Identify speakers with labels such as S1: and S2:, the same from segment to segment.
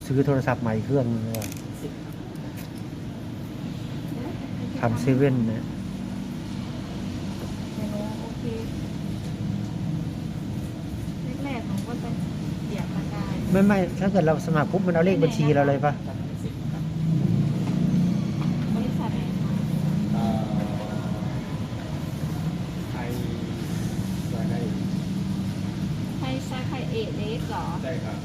S1: ซื้อโทรศัพท์ใหม่เครื่องนึงเลยทำเซเว่นเนี่ย
S2: โอเคแรกๆผมก็จะเสียบตะกาย
S1: ไม่ถ้าเกิดเราสมัครปุ๊บมันเอาเลขบัญชีเราเลยปะ
S2: บริษัทไหนคะ
S3: ไทยรายได้
S2: ไทยซาไคเอเล็กเหรอ
S3: ใช่ครับ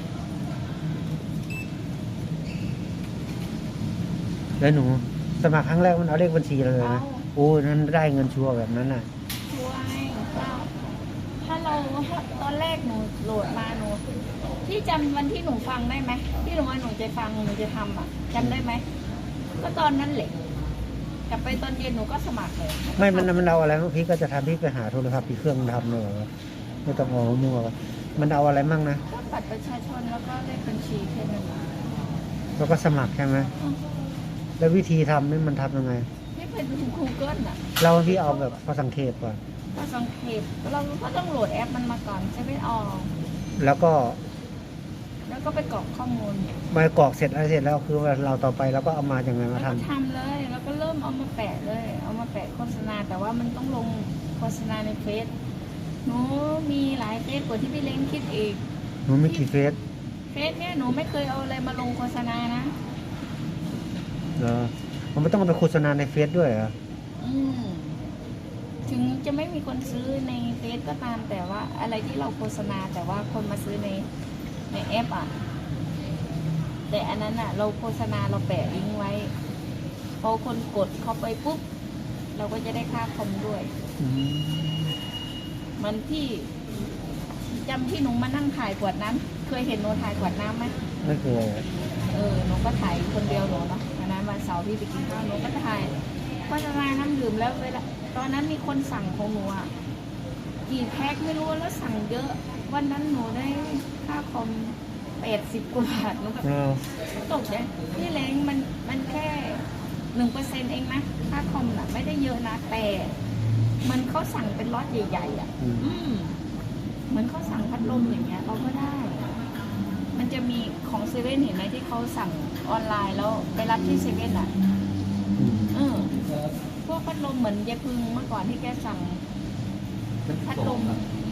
S1: แล้วหนูสมัครครั้งแรกมันเอาเลขบัญชีเราเลยนะโอ้นั้นได้เงินชัวร์แบบนั้นน่ะ
S2: ช่วยถ้าเราตอนแรกหนูโหลดมาหนูที่จำวันที่หนูฟังได้ไหมที่หนูว่าหนูจะฟังหนูจะทำอ่ะจำได้ไหมก็ตอนนั้นแหละกลับไปตอนเย็นหนูก็สมัครเลย
S1: ไม่มันเอาอะไรพี่ก็จะทำพี่ไปหาโทรศัพท์พี่เครื่องทำเลยไม่ต้องเอามั่วมันเอาอะไรมั่งนะ
S2: ก็บัตรประชาชนแล้วก็เลขบัญชีแค่นั้น
S1: แล้วก็สมัครใช่ไหมแล้ววิธีทำนี่มันทำยังไง
S2: ที่เป็นคูเกิลอ่ะ
S1: เราพี่เอาแบบพอสังเกตก่อน
S2: ก็สังเกตเราก็ต้องโหลดแอปมันมาก่อนใช่ไหมออก
S1: แล้วก็
S2: แล้วก็ไปกรอกข้อมูล
S1: มากรอกเสร็จอะไรเสร็จแล้วคือว่าเราต่อไปเราก็เอามาอย่างไง
S2: แล้
S1: มาว ท
S2: ก็ทำเลย แล้วก็เริ่มเอามาแปะเลย เอามาแปะโฆษณา แต่ว่ามันต้องลงโฆษณาในเฟซหนูมีหลายเฟซกว่าที่พี่เล้งคิดอีก
S1: ำหนูไม่กี่เฟซ
S2: เฟซเนี่ยหนูไม่เคยเอาอะไรมาลงโฆษณานะ
S1: เหรอมันไม่ต้องเอาไปโฆษณาในเฟซด้วยเหรอ
S2: อืมถึงจะไม่มีคนซื้อในเฟซก็ตาม แต่ว่าอะไรที่เราโฆษณา แต่ว่าคนมาซื้อในแอปอ่ะ แต่อันนั้นอ่ะ เราโฆษณาเราแปะลิงก์ไว้ พอคนกดเข้าไปปุ๊บ เราก็จะได้ค่าคอมด้วย
S1: อืม
S2: มันที่จำที่หนูมานั่งถ่ายขวดน้ำเคยเห็นหนูถ่ายขวดน้ำไหม
S1: ไม่เคย
S2: หนูก็ถ่ายคนเดียวหนูเนาะวันนั้นวันเสาร์พี่ไปกินข้าวหนูก็ถ่ายก็จะมาน้ำดื่มแล้วเวลาตอนนั้นมีคนสั่งของหนูอ่ะกี่แพ็คไม่รู้แล้วสั่งเยอะ วันนั้นหนูได้ค่าคอม80 กว่าบาทหนูก็
S1: เรา
S2: ตกใจพี่เล้งมันแค่1%เองนะค่าคอมน่ะไม่ได้เยอะนะแต่มันเขาสั่งเป็นล็อตใหญ่ๆอ่ะ เหมือนเขาสั่งพัดลมอย่างเงี้ยเราก็ได้ มันจะมีของเซเว่นเห็นไหมที่เขาสั่งออนไลน์แล้วไปรับที่เซเว่นอ่ะ พวกพัดลมเหมือนยายพึงเมื่อก่อนที่แกสั่งพัดลม